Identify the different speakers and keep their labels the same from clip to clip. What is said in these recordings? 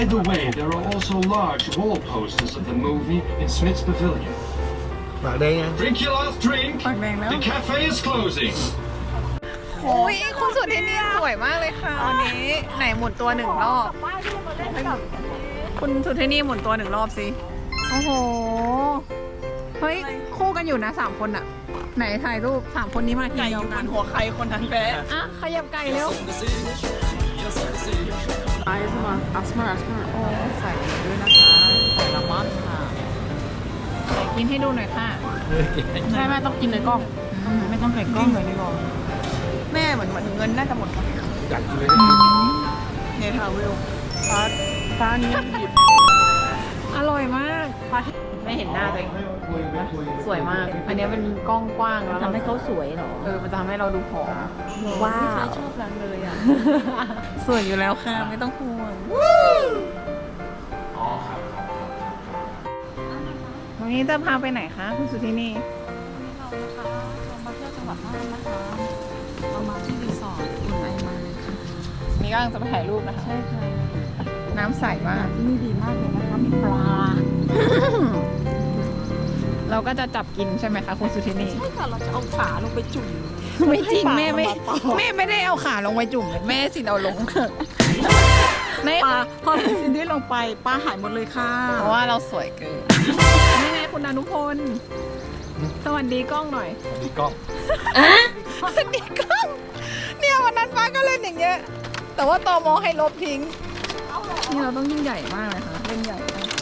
Speaker 1: By the way, there are also large wall posters of the movie in Smith's Pavilion.
Speaker 2: ปากแดงไง
Speaker 1: Drink your last drink.
Speaker 3: ปากแดงแล้ว
Speaker 1: The cafe is closing.
Speaker 3: โอ้ยคุณสุดที่นี่สวยมากเลยค่ะวันนี้ไหนหมุนตัวหนึ่งรอบคุณสุดที่นี่หมุนตัวหนึ่งรอบสิโอ้โหเฮ้ยคู่กันอยู่นะ3 คนอะไหนถ่ายรูป3 คนนี้มาทีเดียวกันหัวใครคนนั้นแพ้อ่ะขยับไก่เร็วไอซ์มาอัสมาโอ้ใส่ด้วยนะคะใส่ละมันค่ะกินให้ดูหน่อยค่ะใช่แม่ต้องกินในกล้องไม่ต้องใส่กล้องเลยในกล้องแม่เหมือนเงินน่าจะหมด
Speaker 2: จัดเลย
Speaker 3: เนี่ยค่ะวิวฟ้านี้หยิบอร่อยมากไม่เห็นหน้าตัวเองสวยมากอันนี้เป็นกล้องกว้างแล้ว
Speaker 4: ทำให้เขาสวยเหรอ
Speaker 3: มันจะทำให้เราดูผอม
Speaker 4: ว้าว
Speaker 3: ชอบร้านเลยอ่ะสวยอยู่แล้วค่ะไม่ต้องห่วงวันนี้จะพาไปไหนคะคุณสุธินี
Speaker 4: เรามาเที่ยวจังหวัดน่านนะคะเรามาที่รีสอร์ทอุ่นไอมาค่ะ
Speaker 3: นี่ก็จะไปถ่ายรูปนะคะ
Speaker 4: ใช่ค่ะ
Speaker 3: น้ำใสมาก
Speaker 4: ที่นี่ดีมากเลยนะคะมีปลา
Speaker 3: เราก็จะจับกินใช่ไหมคะคุณสุธินี
Speaker 4: ใช่ค่ะเราจะเอาขาลงไปจุ่ม
Speaker 3: ไม่จริง
Speaker 4: ให้ปลา
Speaker 3: แม่ไม่
Speaker 4: มาต่อ
Speaker 3: แม่ไม่ได้เอาขาลงไปจุ่มเลยแม่สิเอาลงแม่
Speaker 4: ปลาพอซินดี้ลงไปปลาหายหมดเลยค่ะ
Speaker 3: เพราะว่าเราสวยเกินนี่ไงคุณอนุพลสวัสดีกล้องหน่อย
Speaker 2: มีกล้อง
Speaker 3: สวัสดีกล้องเนี่ยวันนั้นฟ้าก็เล่นอย่างเงี้ยแต่ว่าตมให้ลบทิ้งนี่เราต้องยิ่งใหญ่มากเลยค่ะเล่นใหญ่มาก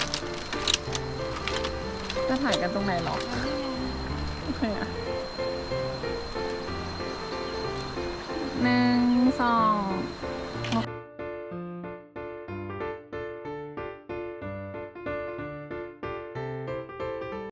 Speaker 3: จะถ่ายกันตรงไหนหรอโอเคอะ1 2